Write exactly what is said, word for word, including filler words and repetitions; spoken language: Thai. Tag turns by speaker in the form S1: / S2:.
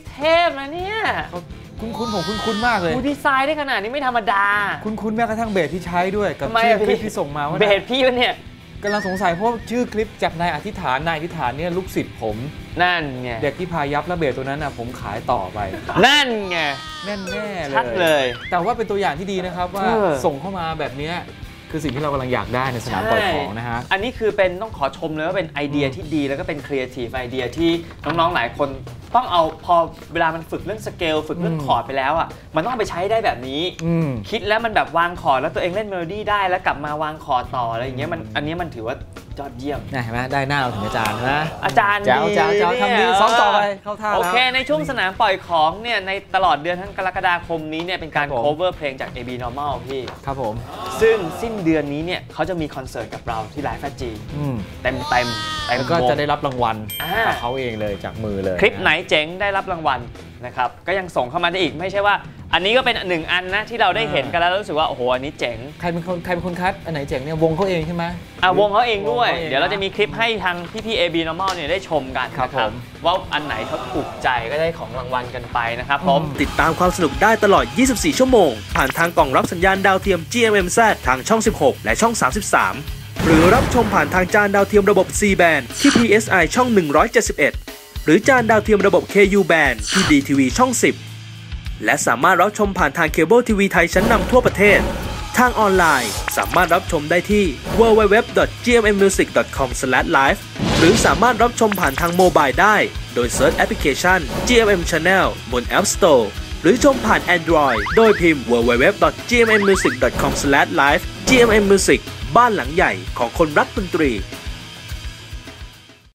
S1: เทพนะเนี่ย
S2: คุ้นคุ้นผมคุ้นคุ้นมากเลย
S1: ดีไซน์ได้ขนาดนี้ไม่ธรรมดา
S2: คุ้นคุ้นแม้กระทั่งเบสที่ใช้ด้วยกับชื่อคลิปที่ส่งมาว่า
S1: เบสพี่เนี่ย
S2: กำลังสงสัยเพราะชื่อคลิปจากนายอธิษฐานนายอธิษฐานเนี่ยลูกศิษย์ผม
S1: นั่นไง
S2: เด็กที่พายับแล้วเบสตัวนั้นนะผมขายต่อไป
S1: นั่นไง
S2: แน่แน่เลย
S1: ชัดเลย
S2: แต่ว่าเป็นตัวอย่างที่ดีนะครับว่าส่งเข้ามาแบบนี้คือสิ่งที่เรากำลังอยากได้ในสนามปล่อยของนะฮะ
S1: อันนี้คือเป็นต้องขอชมเลยว่าเป็นไอเดียที่ดีแล้วก็เป็นครีเอทีฟไอเดียที่น้องๆหลายคนต้องเอาพอเวลามันฝึกเรื่องสเกลฝึกเรื่องคอร์ดไปแล้วอ่ะมันต้องไปใช้ได้แบบนี้คิดแล้วมันแบบวางคอร์ดแล้วตัวเองเล่นเมโลดี้ได้แล้วกลับมาวางคอร์ดต่ออะไรอย่างเงี้ยมันอันนี้มันถือว่ายอดเยี่ยม
S2: เห็นไหมได้หน้าเราถึงอาจารย์นะ
S1: อาจารย์
S2: เจ้าเจ้าเจ้าทำดีซ้อมต่อไปเข้าท่าแล้ว
S1: โอเคในช่วงสนามปล่อยของเนี่ยในตลอดเดือนทั้งกรกฎาคมนี้เนี่ยเป็นการ cover เพลงจาก เอ บี Normal พี่
S2: ครับผม
S1: ซึ่งสิ้นเดือนนี้เนี่ยเขาจะมีคอนเสิร์ตกับเราที่ไลฟ์แฟจีเต็มเต็ม
S2: แล้วก็จะได้รับรางวัลจากเขาเองเลยจากมือเลย
S1: คลิปไหนเจ๋งได้รับรางวัลนะครับก็ยังส่งเข้ามาได้อีกไม่ใช่ว่าอันนี้ก็เป็นหนึ่งอันนะที่เราได้เห็นกันแล้วรู้สึกว่าโอ้โหอันนี้เจ๋ง
S2: ใครเป็นคนใครเป็นคนคัดอันไหนเจ๋งเนี่ยวงเขาเองใช่ไหม
S1: อ่ะวงเขาเองด้วยเดี๋ยวเราจะมีคลิปให้ทางพี่ๆ เอ บี Normal เนี่ยได้ชมกันนะครับว่าอันไหนเขาถูกใจก็ได้ของรางวัลกันไปนะครับผม
S3: ติดตามความสนุกได้ตลอดยี่สิบสี่ชั่วโมงผ่านทางกล่องรับสัญญาณดาวเทียม จี เอ็ม เอ็ม แซด ทางช่องสิบหกและช่องสามสิบสามหรือรับชมผ่านทางจานดาวเทียมระบบ ซี แบนด์ ที่ พี เอส ไอ ช่องหนึ่งร้อยเจ็ดสิบเอ็ดหรือจานดาวเทียมระบบ เค ยู แบนด์ ที่ ดี ที วี ช่องสิบและสามารถรับชมผ่านทางเคเบิลทีวีไทยชั้นนำทั่วประเทศทางออนไลน์สามารถรับชมได้ที่ ดับเบิลยู ดับเบิลยู ดับเบิลยู ดอท จี เอ็ม เอ็ม มิวสิก ดอท คอม สแลช ไลฟ์ หรือสามารถรับชมผ่านทางโมบายได้โดยเซิร์ชแอปพลิเคชัน จี เอ็ม เอ็ม Channel บน App Store หรือชมผ่าน Android โดยพิมพ์ ดับเบิลยู ดับเบิลยู ดับเบิลยู ดอท จี เอ็ม เอ็ม มิวสิก ดอท คอม สแลช ไลฟ์ จี เอ็ม เอ็ม Music บ้านหลังใหญ่ของคนรักดนตรี